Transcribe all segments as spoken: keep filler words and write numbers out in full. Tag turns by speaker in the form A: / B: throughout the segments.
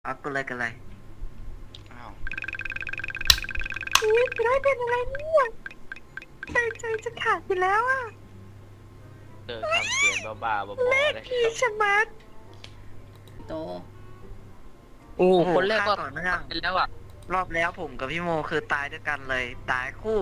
A: เอากันเลยกันเลย
B: อ้าว
C: ชีวิตจะได้เป็นอะไรเนี่ยใจใจจะขาดไปแล้วอ่ะ
B: เจอทำเสียงบ้าๆบอๆ
C: เลข
B: ได้
C: ที่ชะมัด
D: โต
E: โอ้
A: โอ้โห
E: คนแรกก็
A: ฆ่าต่อเนื่อง
E: เป็นแล้วอ่ะ
A: รอบแล้วผมกับพี่โมคือตายด้วยกันเลย ตายคู่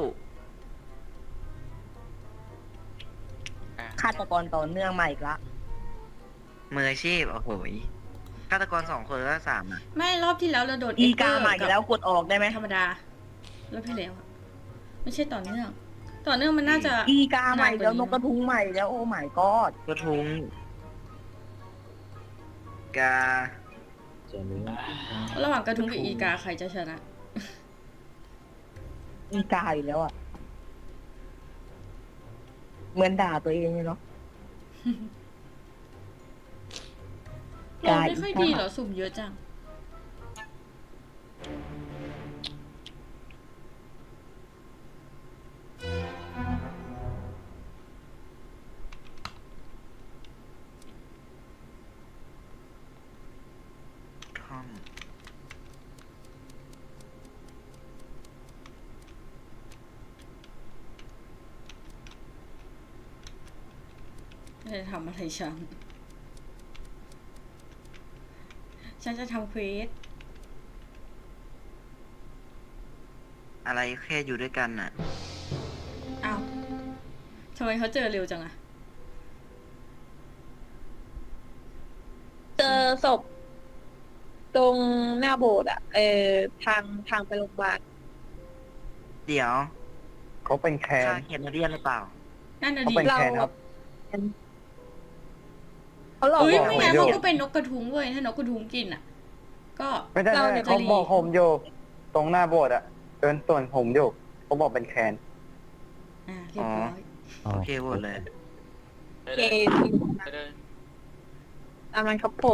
B: อ่ะ
D: ฆาตกรต่อเนื่องมาอีกละ
A: มืออาชีพโอ้โหยฆาตกรสองคนแล้วสามอ่ะ
F: ไม่รอบที่แล้วเราโดน
D: อี
F: เเ
D: กามาอีกแล้วกดออกได้ไหม
F: ธรรมดารอบที่แล้วอะไม่ใช่ต่อเนื่อง ต่อเนื่องมันน่าจะ
D: อีกาใหม่แล้วนกกระทุงใหม่แล้วโอ้ my god
A: กระทุงกา
F: ระหว่างกระทุ้งกับอีกาใครจะชนะ
D: อีกาอีกแล้วอ่ะ เหมือนด่าตัวเองเลยเนาะ
F: เราไม่ค่อยดีเหรอสุ่มเยอะจัง
A: ท่อม
F: จะทำอะไรฉัน ฉันจะทำเควส
A: อะไรแค่อยู่ด้วยกันน่ะ
F: อ้าวทำไมเขาเจอเร็วจังอะ
C: เจอศพตรงหน้าโบสถ์อ่ะเออทางทางไปโรงพยาบาล
A: เดี๋ยว
G: เขาเป็นแคน
A: ฆ่าเคนเดียนหรือเปล่า
F: นั่นน่ะ
G: เขา
F: ดิ
G: เป็นแคนครับ
C: เขาหลอก
F: เฮ้ย
C: บอก
F: ไม่
G: ผ
F: งั้น
G: อยู่
F: มันก็เป็นนกกระทุงเว้ย ถ้านกกระทุงกินอะก็
G: ไม่ได้
F: เรา
G: ไม่
F: เนี่
G: ได้
F: ย
G: เขา
F: จะรี
G: บอกผมอยู่ตรงหน้าโบสถ์อะเดินส่วนผมอยู่เขาบอกเป็นแคน
F: อ่าเรียบร้อย
A: โอเคหมดเลย
C: เค
B: เดิน
C: ตามนั้นครับผม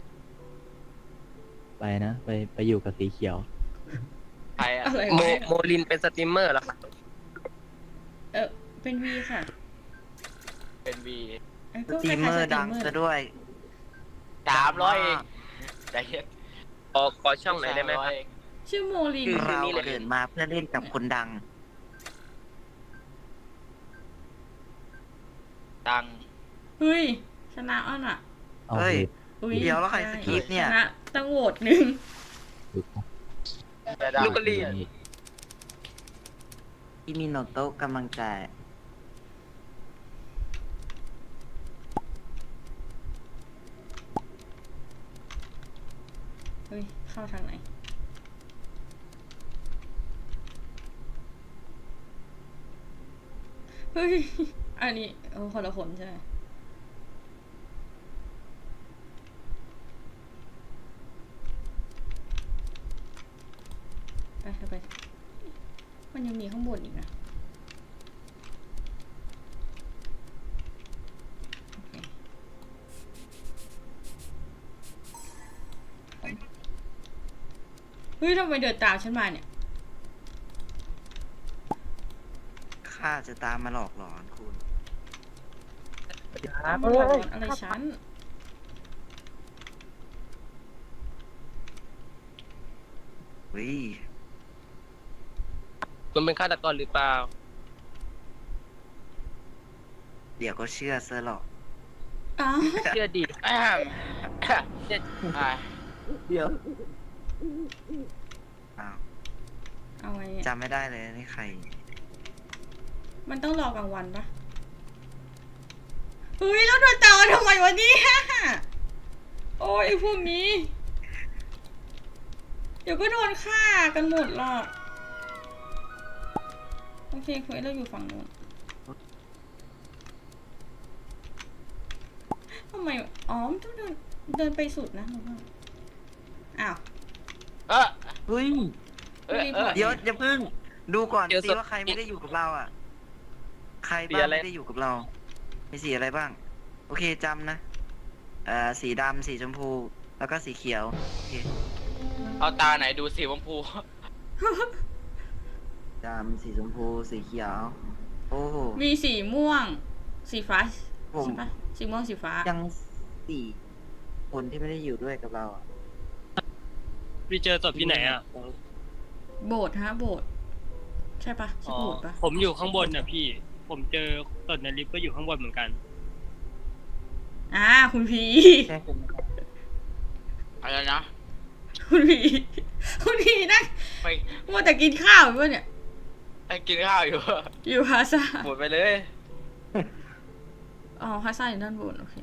H: ไปนะ ไปไปอยู่กับสีเขียว
B: ไปอ่ะ
F: อะไร
E: โม
F: วะ
E: โมลินเป็นสตรีมเมอร์เหรอครับ
F: เออเป็นวีค่ะ
B: เป็นวี
F: เอ้ย
A: ส
F: ก็
A: ตรีมเมอร์ดังซะด้วย
B: สามร้อยเองใจเย็น
E: ขอขอช่องไหนอยได้ไหมครับ
F: ชื่อโมลิน
A: คือ
E: คื
A: เรา
E: นี่เลย
A: เกิดมาเพื่อเล่นกับคนดัง
B: ดัง
F: เฮ้ย ชนะอ้อนอ่ะ
H: เอา
A: เฮ้ย
H: ผิด
F: อุ๊
A: เดี๋ยวแล้วใครสกิปเนี่ย
F: ชนะตั้งโหวตหนึ่ง
H: ถูก
B: แต่ดัง
E: ลูกกะลี
A: ที่มีโนโตะกำลังใจ
F: เฮ้ย เข้าทางไหน เฮ้ย อันนี้โอ้คนละคนใช่ไหมไปเอาไป มันยังมีข้างบนอีกนะโอเคเฮ้ยทำไมเดินตามฉันมาเนี่ย
A: ข้าจะตามมาหลอกหลอนคุณ
F: ตามมาหลอกหลอนอะไรฉัน
A: เฮ้ย
E: คุณเป็นฆาตกรหรือเปล่า
A: เดี๋ยวก็เชื่อซะหรอก
F: อ้าว
E: เชื่อดี
B: แอมเจ็ดอ่า
A: เดี๋ยว อ้าว
F: เอาไงเนี่ย
A: จำไม่ได้เลยนี่ใคร
F: มันต้องรอกลางวันปะเฮ้ยแล้วโดนตามมาทำไมวะเนี่ยโอ้ยไอ้พวกนี้ เดี๋ยวก็โดนฆ่ากันหมดหรอก โอเคคุยเราอยู่ฝั่งนู้นทำไม อ๋อมันต้องเดิน เดินไปสุดนะหนูว่าอ้าว
B: เออ
A: เฮ้ย
B: เออเออ
A: เดี๋ยวอย่าเพิ่ง ดูก่อน
E: เดี๋ยว
A: สิ
E: ศพ
A: ว่าใครไม่ได้อยู่กับเราอ่ะ ใคร
E: สี
A: บ้าง
E: อะไร
A: ไม่ได้อยู่กับเรา มีสีอะไรบ้าง โอเคจำนะ เอ่อ สีดำ สีชมพู แล้วก็สีเขียว โอเค
B: เอาตาไหนดูสีชมพู
A: ดำ สีชมพู สีเขียว โอ้โห
F: มีสีม่วง สีฟ้า
A: ผม
F: ใช่ปะสีม่วงสีฟ้า
A: ยังสี่คนที่ไม่ได้อยู่ด้วยกับเราอะ
E: พี่เจอศพที่ไหนอ่ะ
F: โบสถ์ฮะโบสถ์ใช่ปะใช่
E: อ๋อ
F: โบสถ์ปะ
E: ผมอยู่ข้างบนนะพี่ ผมเจอศพในลิฟต์ก็อยู่ข้างบนเหมือนกัน
F: อ่าคุณพี
A: ใช่ผม
B: อะไรนะ
F: คุณพีคุณพีนั่ง
B: ไม่
F: มัวแต่กินข้าวอยู่ปะเนี่ย
B: ไอ้กินข้าวอยู่
F: อยู่ฮาซ่า
B: หมดไปเลย
F: อ๋อฮาซ่าอยู่ด้านบนโอเค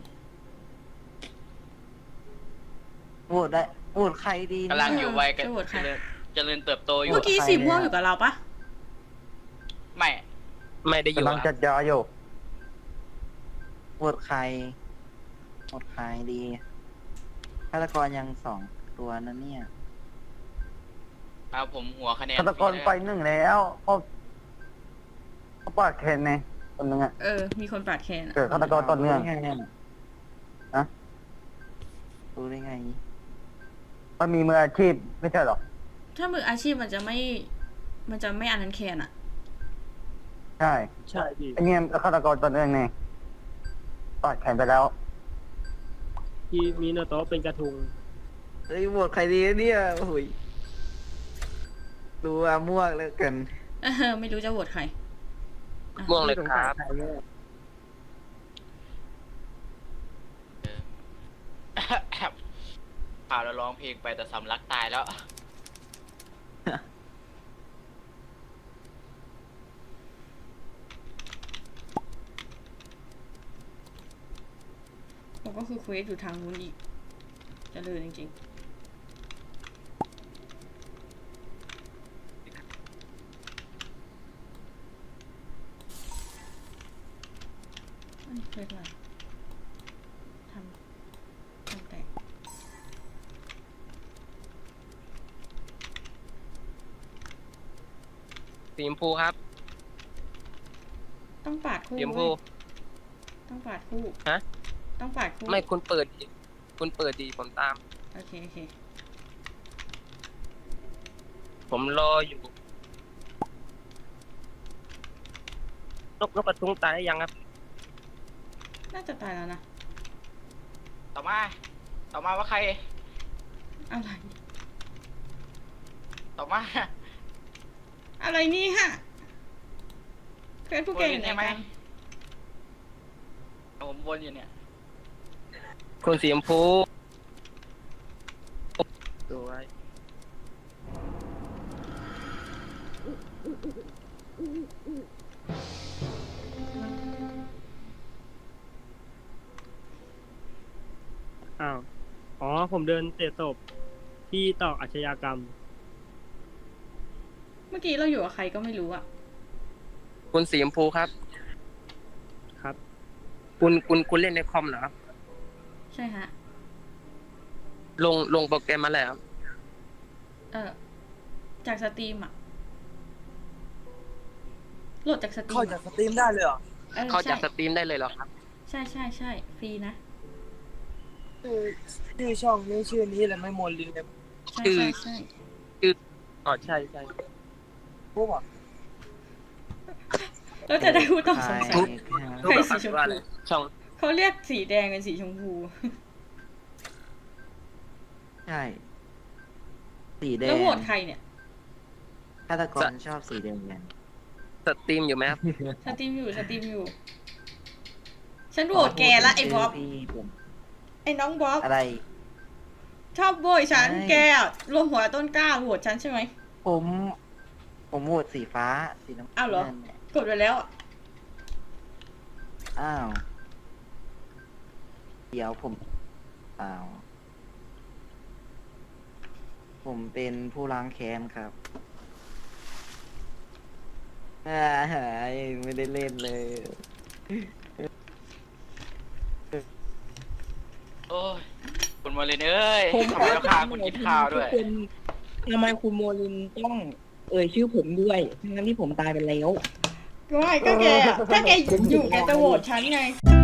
A: โหวตได้โหวตใครดีเนี่ย
B: กำลังอยู่วัยกัน
F: จะโหวตใคร
B: เจริญเจริญเติบโตอยู่
F: เมื่อกี้
A: ใคร
F: สีม่วง
A: เนี่ย
F: อยู่กับเราปะ
B: ไม่
E: ไม่ได้อยู่
G: กำลัง
E: อะ
G: จัดยาอยู่
A: โหวตใครโหวตใครดีฆาตกรยังสองตัวนั่นเนี่ย
B: เอาผมหัวคะแนน
G: ฆาตกรไปหนึ่งแล้วเขาเขาปาดแขนไงคนหนึงอ่ะ
F: เออ มีคนปาดแคนอะ
G: เกิดฆาตกรต่อเนื่อง
A: รู้ได้ไงเนี่ย
G: อะ
A: รู้ได้ไง
G: มันมีมืออาชีพไม่ใช่หรอ
F: ถ้ามืออาชีพมันจะไม่ มันจะไม่อันนั้นแคนอะ
G: ใช่
E: ใช่พี่
G: ไอเนี่ยฆาตกรต่อเนื่องไงปาดแขนไปแล้ว
E: พี่มีโนโตะเป็นกระทุง
A: เฮ้ยโหวตใครดีเนี่ยโอ้ยดูว่าม่วงเหลือเกิน
F: เออไม่รู้จะโหวตใครอ่ะ
E: ม่วงเลยครับ
B: ข่าวเราร้องเพลงไปแต่สำลักตายแล้ว
F: ผมก็คือเควสอยู่ทางนู้นอีกเจะเลยจริงๆอันนี้เควสอะไรทำทำแตก
E: สีชมพูครับ
F: ต้องปาดคู่
E: สีชมพู
F: เว้ยต้องปาดคู่
E: ฮะ
F: ต้องปาดคู่
E: ไม่คุณเปิดดิคุณเปิดดีผมตาม
F: โอเคโอเค
E: ผมรออยู่ นกนกกระทุงตายยังครับ
F: น่าจะตายแล้วนะ
B: ต่อมา ต่อมาว่าใคร
F: อะไร
B: ต่อมา
F: อะไรนี่ฮะเควสผู้เก่งอยู่ไหน
B: ใช่ไหม
F: กัน
B: ผมวนอยู่เนี่ย
E: คุณสีชมพูสวย
I: อ้าว อ๋อ ผมเดินเตะศพที่ต่ออาชญากรรม
F: เมื่อกี้เราอยู่กับใครก็ไม่รู้อะ
E: คุณสีชมพูครับ
I: ครับ
E: คุณคุณคุณเล่นในคอมเหรอครับ
F: ใช่ฮะ
E: ลงลงโปรแกรมมาแล้ว
F: เออจากสตรีมอะโหลดจากสตรีม
E: เข้าจากสตรีมได้เลยเหรอ
F: เออ
E: เข้า
F: ใช่
E: จากสตรีมได้เลยเหรอครับ
F: ใช่ใช่ใช่ฟรีนะ
E: ชื่อช่องนี้ชื่อนี้เลยไม่โมลีเลย
F: ใช่
E: คือ
F: ใช่ใช่
E: อ๋อใช่ใช่พูดว่า
F: แล้วจะได้ผู้ต้องสงสัย
A: ใคร
F: ใครสีชมพู
E: ว่าอะไรช่อง
F: เขาเรียกสีแดงเป็นสีชมพู
A: ใช่ สีแดง
F: แล้วโหวตใครเนี่ย
A: ฆาตกรชอบสีแดงกัน
E: สตรีมอยู่ไหมครับ
F: สตรีมอยู่สตรีมอยู่ ฉันโหวตแกละไอ้บ๊อบ
A: พี่ผม
F: ไอ้น้องบ๊อบ
A: อะไร
F: ชอบโบยฉัน
A: ไม่
F: แกอะรวมหัวต้นกล้าโหวตฉันใช่ไหม
A: ผม ผมโหวตสีฟ้า สีน้ำ
F: อ้าวเหรอ
A: งินนี่ย
F: กดไปแล้วอะ
A: อ้าว เดี๋ยวผมอ้าว ผมเป็นผู้ล้างแค้นครับอ่าหายไม่ได้เล่นเลย
B: โอ้ย คุณมาเลยเอ้ย
D: ผม
B: ทำไมต้องฆ่าคุณกินข้าวด้วย
D: คุณทำไมคุณโมลินต้องเอ่ยชื่อผมด้วยทั้งนั้นที่ผมตายไปแล้ว
F: ก็ไม่ก็แกอะถ้าแกอยู่แกจะโหวตฉันไง
D: ผ